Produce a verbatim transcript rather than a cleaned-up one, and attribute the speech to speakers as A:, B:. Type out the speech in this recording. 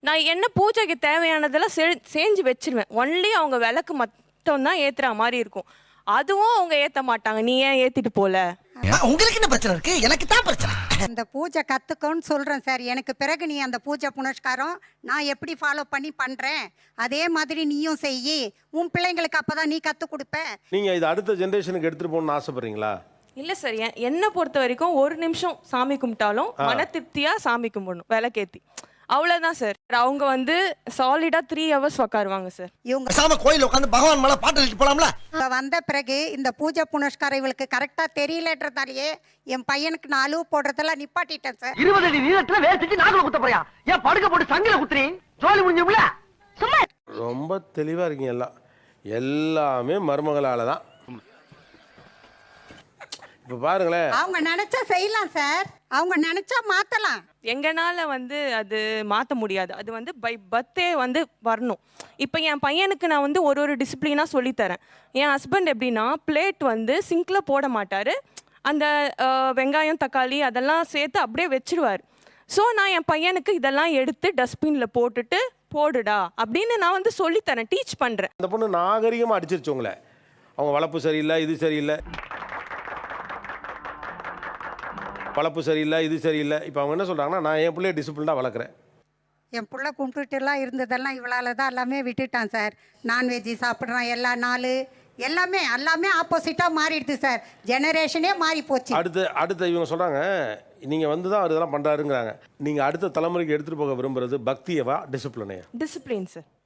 A: நான் என்ன பூஜைக்கு தேவையானதெல்லாம் செ செஞ்சு வச்சிருவேன். ஒன்லி அவங்க விளக்கு மட்டும் தான் ஏத்துற மாதிரி இருக்கும். அதுவும் அவங்க ஏத்த மாட்டாங்க. நீ ஏன் ஏத்திட்டு போல?
B: உங்களுக்கு என்ன பிரச்சனை இருக்கு? எனக்கு தான் பிரச்சனை.
C: அந்த பூஜை கத்துக்கோன்னு சொல்றேன் சார். எனக்கு பிறகு நீ அந்த பூஜை புனஸ்காரம் நான் எப்படி ஃபாலோ பண்ணி பண்றேன் அதே மாதிரி நீயும் செய்யி. உன் பிள்ளைங்களுக்கு அப்பதான் நீ கத்து கொடுப்ப.
D: நீங்க இது அடுத்த ஜெனரேஷனுக்கு எடுத்துட்டு போகணும்னு ஆசைப்படுறீங்களா?
A: இல்ல சார், என்ன பொறுத்த வரைக்கும் ஒரு நிமிஷம் சாமி கும்பிட்டாலும் மன திருப்தியா சாமி கும்பிடணும் விளக்கேத்தி. அவ்வளவுதான் சார். அவங்க வந்து சாலிடா த்ரீ ஹவர்ஸ் உட்காருவாங்க சார்.
C: இவங்க
B: சாம கோயில உட்காந்து பகவான் மேல பாட்டு எழுதி போலாம்ல.
C: வந்த பிறகு இந்த பூஜை புனஸ்காரம் இவளுக்கு கரெக்டா தெரியலன்றதாலேயே என் பையனுக்கு நான் அழுவு போடுறதெல்லாம் நிப்பாட்டிட்டேன் சார்.
E: இருபது அடி நீளத்துல வேர் செஞ்சு நாக்குல குத்த போறியா? ஏன் படுக்க போட்டு சங்கில குத்துறீ? ஜோலி முடிஞ்சும்ல. சும்மா
D: ரொம்ப தெளிவா இருக்கீங்க. எல்லாம் எல்லாமே மருமகளால தான். இப்ப பாருங்களேன்,
C: அவங்க நினைச்சா செய்யலாம் சார். அவங்க நினைச்சா மாத்தலாம்.
A: எங்கனால வந்து அது மாற்ற முடியாது. அது வந்து பை பர்த்டே வந்து வரணும். இப்போ என் பையனுக்கு நான் வந்து ஒரு ஒரு டிசிப்ளினாக சொல்லித்தரேன். என் ஹஸ்பண்ட் எப்படின்னா பிளேட் வந்து சிங்கில் போட மாட்டார். அந்த வெங்காயம் தக்காளி அதெல்லாம் சேர்த்து அப்படியே வச்சிருவார். ஸோ நான் என் பையனுக்கு இதெல்லாம் எடுத்து டஸ்ட்பினில் போட்டுட்டு போடுடா அப்படின்னு நான் வந்து சொல்லித்தரேன், டீச் பண்ணுறேன்.
D: அந்த பொண்ணு நாகரிகமாக அடிச்சிருச்சு உங்களை. அவங்க வளர்ப்பு சரியில்லை, இது சரியில்லை, வளர்ப்பு சரியில்லை, இது சரியில்லை. இப்போ அவங்க என்ன சொல்கிறாங்கன்னா, நான் என் பிள்ளைய டிசிப்ளினாக வளர்க்குறேன்.
C: என் பிள்ளை கும்பிட்டுலாம் இருந்ததெல்லாம் இவளால் தான் எல்லாமே விட்டுட்டான் சார். நான்வெஜ்ஜி சாப்பிட்றான் எல்லா நாள். எல்லாமே எல்லாமே ஆப்போசிட்டாக மாறிடுது சார். ஜெனரேஷனே மாறி போச்சு.
D: அடுத்து அடுத்த இவங்க சொல்கிறாங்க, நீங்கள் வந்து தான் அவர் இதெல்லாம் பண்ணுறாருங்கிறாங்க. நீங்கள் அடுத்த தலைமுறைக்கு எடுத்துகிட்டு போக விரும்புறது பக்தியவா டிசிப்ளினையா?
A: Discipline sir.